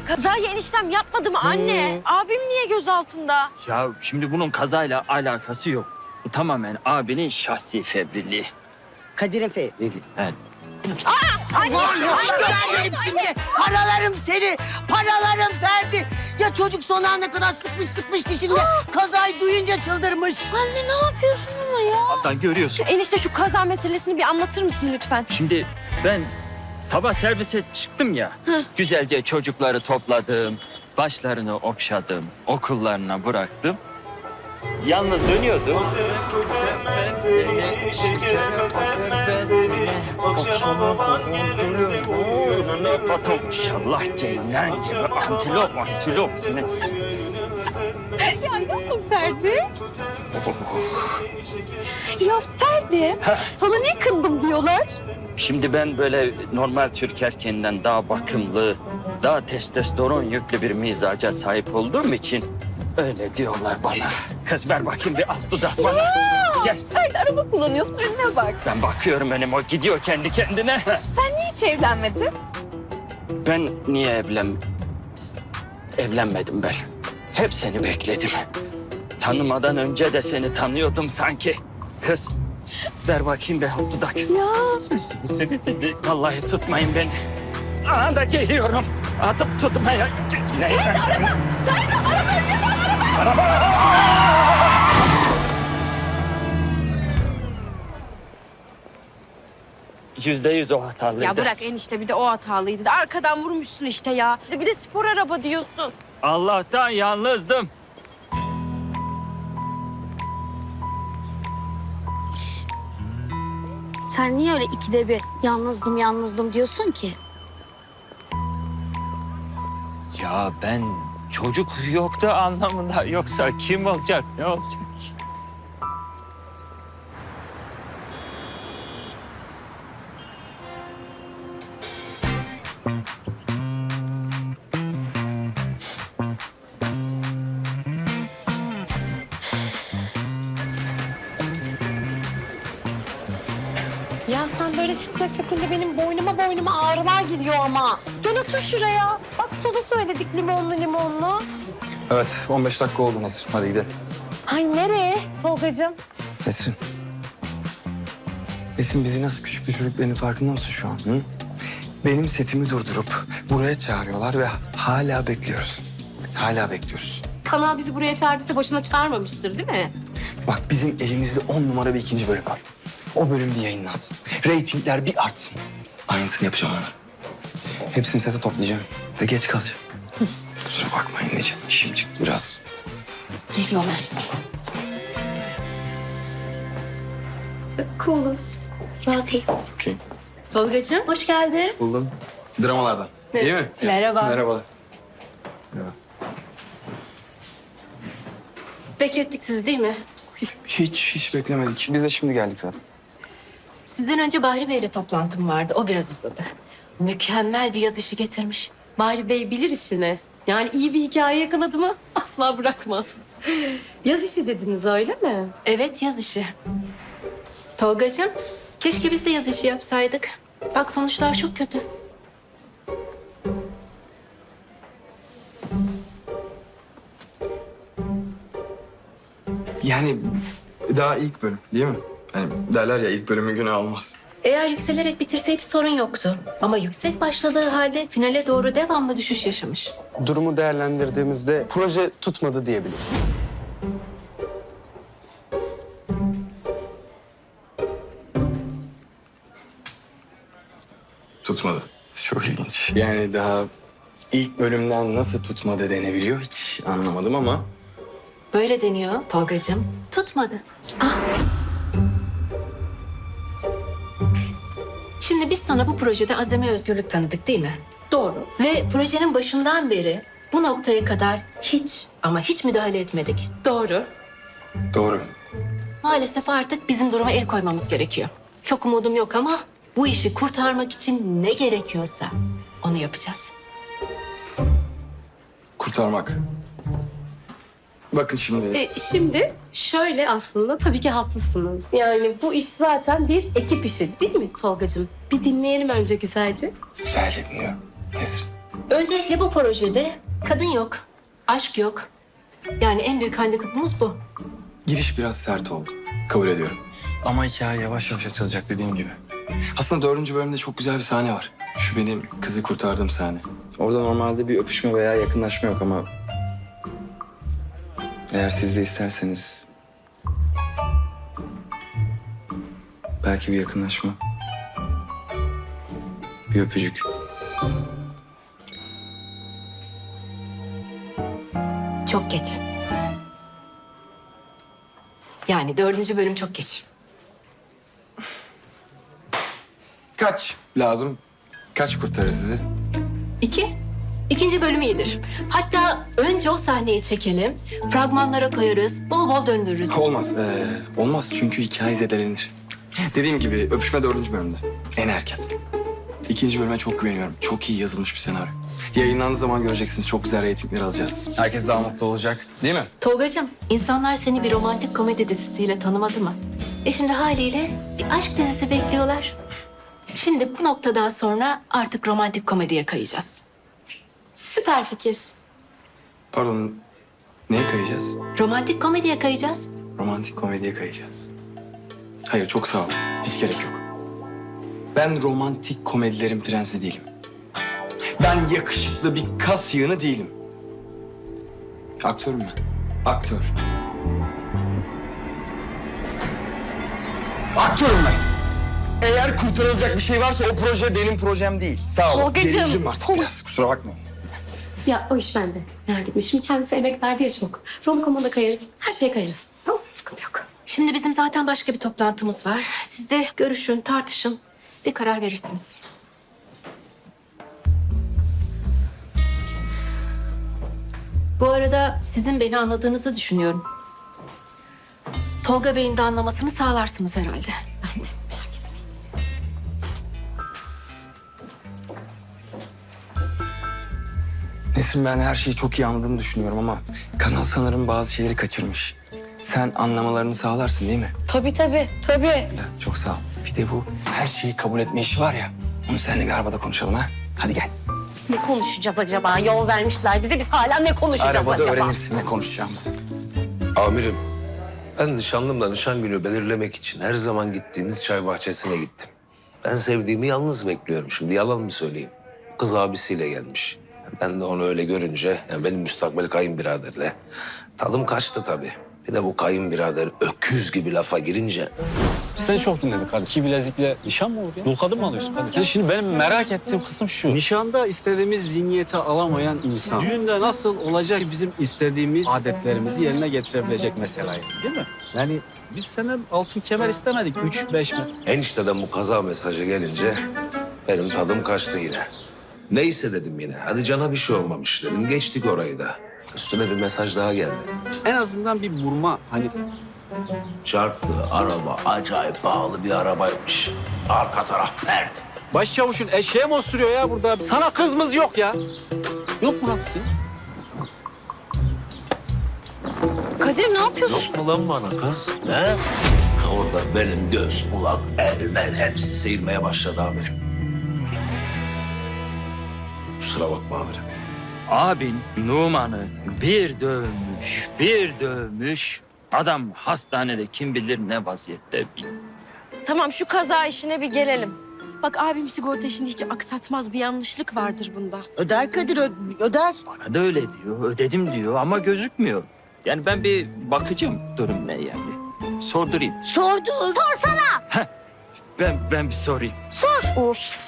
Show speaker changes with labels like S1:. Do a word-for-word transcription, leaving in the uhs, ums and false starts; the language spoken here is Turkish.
S1: Kazayı eniştem yapmadı mı anne? Abim niye gözaltında?
S2: Ya şimdi bunun kazayla alakası yok. Bu tamamen abinin şahsi fevrilliği.
S3: Kadir'in fe...
S2: Evet.
S3: Anne, görelim şimdi. Paralarım seni, paralarım Ferdi. Ya çocuk son ana kadar sıkmış sıkmış dişinde. Kazayı duyunca çıldırmış.
S1: Anne ne yapıyorsun ama ya?
S2: Hatta görüyorsun.
S1: Enişte şu kaza meselesini bir anlatır mısın lütfen?
S2: Şimdi ben sabah servise çıktım ya. Güzelce çocukları topladım. Başlarını okşadım. Okullarına bıraktım. Yalnız dönüyordum. İnşallah ceylan gibi antilop antilop.
S1: Ya yapma Ferdi. Ya Ferdi, sana niye kındım diyorlar?
S2: Şimdi ben böyle normal Türk erkeğinden daha bakımlı, daha testosteron yüklü bir mizaca sahip olduğum için öyle diyorlar bana. Kız ver bakayım bir alt dudak bana. Gel.
S1: Ferdi araba kullanıyorsun, önüne bak.
S2: Ben bakıyorum benim o gidiyor kendi kendine.
S1: Sen niye hiç evlenmedin?
S2: Ben niye evlen... Evlenmedim ben. Hep seni bekledim. Tanımadan önce de seni tanıyordum sanki. Kız ver bakayım bir alt dudak.
S1: Ya.
S2: Seni seni. Vallahi tutmayın beni. Aha da geliyorum. Atıp tutmaya. Ferdi araba!
S1: Ferdi araba önüne bak, araba!
S2: Yüzde yüz o hatalıydı.
S1: Ya bırak enişte, bir de o hatalıydı. De arkadan vurmuşsun işte ya. Bir de spor araba diyorsun.
S2: Allah'tan yalnızdım.
S4: Sen niye öyle ikide bir yalnızdım yalnızdım diyorsun ki?
S2: Ya ben çocuk yoktu anlamında. Yoksa kim olacak, ne olacak?
S4: Ya sen böyle stres yapınca benim boynuma boynuma ağrılar giriyor ama. Gel otur şuraya. Bak soda söyledik limonlu limonlu.
S5: Evet, on beş dakika oldu Nesrin. Hadi gidelim.
S4: Ay nereye Tolgacığım?
S5: Nesrin. Nesrin bizi nasıl küçük düşürdüklerinin farkında mısın şu an? Hı? Benim setimi durdurup buraya çağırıyorlar ve hala bekliyoruz. Biz hala bekliyoruz.
S6: Kanal bizi buraya çağırdıysa boşuna çağırmamıştır değil mi?
S5: Bak bizim elimizde on numara bir ikinci bölüm var. O bölüm bir yayınlansın. Reytingler bir artsın. Aynısını yapacağım ona. Hepsini sete toplayacağım ve geç kalacağım. Kusura bakmayın Necip. İşim çıktı biraz.
S6: Geliyorlar. Cooluz. Rahatız.
S5: Okey.
S6: Tolgacığım hoş geldin.
S5: Buldum. Dramalardan. Değil mi?
S6: Merhaba.
S5: Merhaba. Merhaba.
S6: Beklettik sizi değil mi?
S5: Hiç, hiç beklemedik. Biz de şimdi geldik zaten.
S6: Sizden önce Bahri Bey'le toplantım vardı. O biraz uzadı. Mükemmel bir yaz işi getirmiş. Bahri Bey bilir işini. Yani iyi bir hikaye yakaladı mı asla bırakmaz. Yaz işi dediniz öyle mi? Evet yaz işi. Tolgacığım keşke biz de yaz işi yapsaydık. Bak sonuçlar çok kötü.
S5: Yani daha ilk bölüm değil mi? Hani derler ya ilk bölümün günü almaz.
S6: Eğer yükselerek bitirseydi sorun yoktu. Ama yüksek başladığı halde finale doğru devamlı düşüş yaşamış.
S7: Durumu değerlendirdiğimizde proje tutmadı diyebiliriz.
S5: Tutmadı. Çok ilginç. Yani daha ilk bölümden nasıl tutmadı denebiliyor hiç anlamadım ama.
S6: Böyle deniyor Tolgacığım. Tutmadı. Ah. Şimdi biz sana bu projede azami özgürlük tanıdık değil mi? Doğru. Ve projenin başından beri bu noktaya kadar hiç ama hiç müdahale etmedik. Doğru.
S5: Doğru.
S6: Maalesef artık bizim duruma el koymamız gerekiyor. Çok umudum yok ama bu işi kurtarmak için ne gerekiyorsa onu yapacağız.
S5: Kurtarmak. Bakın şimdi.
S8: E, şimdi şöyle aslında tabii ki haklısınız. Yani bu iş zaten bir ekip işi değil mi Tolgacığım? Bir dinleyelim önce güzelce.
S5: Güzelce dinliyorum. Nesrin.
S6: Öncelikle bu projede kadın yok, aşk yok. Yani en büyük handikapımız bu.
S5: Giriş biraz sert oldu. Kabul ediyorum. Ama hikaye yavaş yavaş açılacak dediğim gibi. Aslında dördüncü bölümde çok güzel bir sahne var. Şu benim kızı kurtardığım sahne. Orada normalde bir öpüşme veya yakınlaşma yok ama... eğer siz de isterseniz... belki bir yakınlaşma. Bir öpücük.
S6: Çok geç. Yani dördüncü bölüm çok geç.
S5: Kaç lazım? Kaç kurtarır sizi?
S6: İki. İkinci bölüm iyidir. Hatta önce o sahneyi çekelim. Fragmanlara koyarız. Bol bol döndürürüz.
S5: Olmaz. Ee, olmaz çünkü hikaye zedelenir. Dediğim gibi öpüşme dördüncü bölümde. En erken. İkinci bölüme çok güveniyorum. Çok iyi yazılmış bir senaryo. Yayınlandığı zaman göreceksiniz. Çok güzel reytingler alacağız. Herkes daha mutlu olacak. Değil mi?
S6: Tolgacığım, insanlar seni bir romantik komedi dizisiyle tanımadı mı? E şimdi haliyle bir aşk dizisi bekliyorlar. Şimdi bu noktadan sonra artık romantik komediye kayacağız.
S8: Süper fikir.
S5: Pardon. Neye kayacağız?
S6: Romantik komediye kayacağız.
S5: Romantik komediye kayacağız. Hayır çok sağ ol. Hiç gerek yok. Ben romantik komedilerin prensi değilim. Ben yakışıklı bir kas yığını değilim. Aktörüm ben. Aktör. Aktörüm ben. Eğer kurtarılacak bir şey varsa o proje benim projem değil. Sağ ol.
S8: Tolgacığım.
S5: Gerildim artık biraz. Kusura bakmayın.
S8: Ya o iş bende. Merak etme. Şimdi kendisi emek verdi ya çok. Romcom'a da kayarız. Her şeye kayarız. Tamam, sıkıntı yok.
S6: Şimdi bizim zaten başka bir toplantımız var. Siz de görüşün, tartışın. Bir karar verirsiniz. Bu arada sizin beni anladığınızı düşünüyorum. Tolga Bey'in de anlamasını sağlarsınız herhalde. Ben de merak etmeyin.
S5: Nesin, ben her şeyi çok iyi anladığımı düşünüyorum ama kanal sanırım bazı şeyleri kaçırmış. Sen anlamalarını sağlarsın değil mi?
S4: Tabii tabii, tabii.
S5: Öyle, çok sağ ol. Bir de bu her şeyi kabul etme işi var ya. Onu seninle bir arabada konuşalım ha. Hadi gel.
S4: Ne konuşacağız acaba? Yol vermişler bize. Biz hala ne konuşacağız
S5: Arabada
S4: acaba?
S5: öğrenirsin ne konuşacağımızı.
S9: Amirim, ben nişanlımla nişan günü belirlemek için her zaman gittiğimiz çay bahçesine gittim. Ben sevdiğimi yalnız bekliyorum. Şimdi yalan mı söyleyeyim? Kız abisiyle gelmiş. Ben de onu öyle görünce, yani benim müstakbel kayınbiraderle tadım kaçtı tabii. Bir de bu kayınbirader öküz gibi lafa girince
S10: Seni çok dinledik kardeşim. İki bilezikle nişan mı olur ya? Dul kadın mı alıyorsun kardeşim? Yani şimdi benim merak ettiğim kısım şu. Nişanda istediğimiz zihniyeti alamayan insan düğünde nasıl olacak ki bizim istediğimiz adetlerimizi yerine getirebilecek mesela yani, değil mi? Yani biz senden altın kemer istemedik. Üç, beş mi?
S9: enişteden bu kaza mesajı gelince benim tadım kaçtı yine. Neyse dedim yine. Hadi cana bir şey olmamış dedim. Geçtik orayı da. Üstüne bir mesaj daha geldi.
S10: En azından bir vurma hani
S9: Çarptı araba acayip pahalı bir arabaymış. Arka taraf pert.
S10: başçavuşun eşeğe mi osuruyor ya burada? Sana kızımız yok ya. Yok mu lan kız ya?
S4: Kadir ne yapıyorsun?
S9: Yok mu lan bana kız? He? Orada benim göz, kulak, el, ben hepsi seyirmeye başladı amirim. Kusura bakma amirim.
S2: Abin Numan'ı bir dövmüş, bir dövmüş. Adam hastanede kim bilir ne vaziyette bilmiyor.
S1: Tamam şu kaza işine bir gelelim. Bak abim sigorta işini hiç aksatmaz. Bir yanlışlık vardır bunda.
S3: Öder Kadir, ö- öder.
S2: Bana da öyle diyor, ödedim diyor ama gözükmüyor. Yani ben bir bakacağım durum ne yani. Sordurayım.
S3: Sordur.
S2: Ben ben bir sorayım.
S1: Sor. Of.